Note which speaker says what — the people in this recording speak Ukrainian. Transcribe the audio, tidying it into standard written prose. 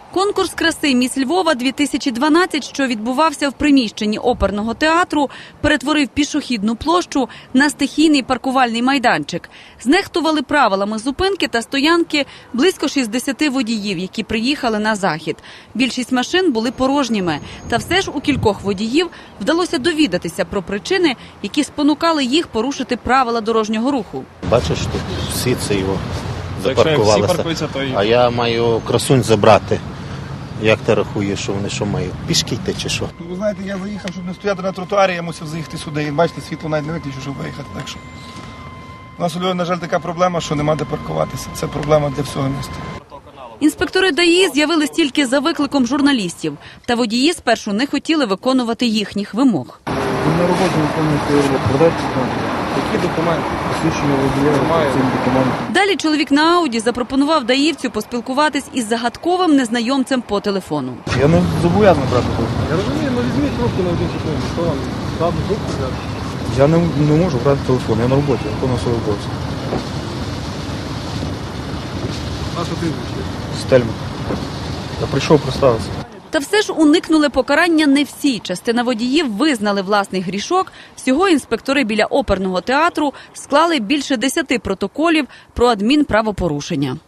Speaker 1: Конкурс краси «Міс Львова-2012», що відбувався в приміщенні оперного театру, перетворив пішохідну площу на стихійний паркувальний майданчик. Знехтували правилами зупинки та стоянки близько 60 водіїв, які приїхали на захід. Більшість машин були порожніми. Та все ж у кількох водіїв вдалося довідатися про причини, які спонукали їх порушити правила дорожнього руху.
Speaker 2: Бачиш, тут всі це його запаркувалися, а я маю красунь забрати. Як ти рахуєш, що вони що мають? Пішки йти чи що?
Speaker 3: Ви знаєте, я заїхав, щоб не стояти на тротуарі, я мусив заїхати сюди. І бачите, світло навіть не виключу, щоб виїхати. Так що у нас у Львові, на жаль, така проблема, що нема де паркуватися. Це проблема для всього міста.
Speaker 1: Інспектори ДАІ з'явились тільки за викликом журналістів. Та водії спершу не хотіли виконувати їхніх вимог.
Speaker 4: Ви на роботі виконуєте продати які документи? Посвідчення водія, цим документом.
Speaker 1: Далі чоловік на Ауді запропонував даївцю поспілкуватись із загадковим незнайомцем по телефону.
Speaker 4: Я не зобов'язаний брати трубку. Я розумію, але візьміть трубку на 1 секунду. Що вам? Правду трубку взяти? Я не можу брати телефон, я на роботі, я виконую свою роботу. Наша прізвище? Стельман. Я прийшов представитися.
Speaker 1: Та все ж уникнули покарання не всі. Частина водіїв визнали власний грішок. Всього інспектори біля оперного театру склали більше 10 протоколів про адмінправопорушення.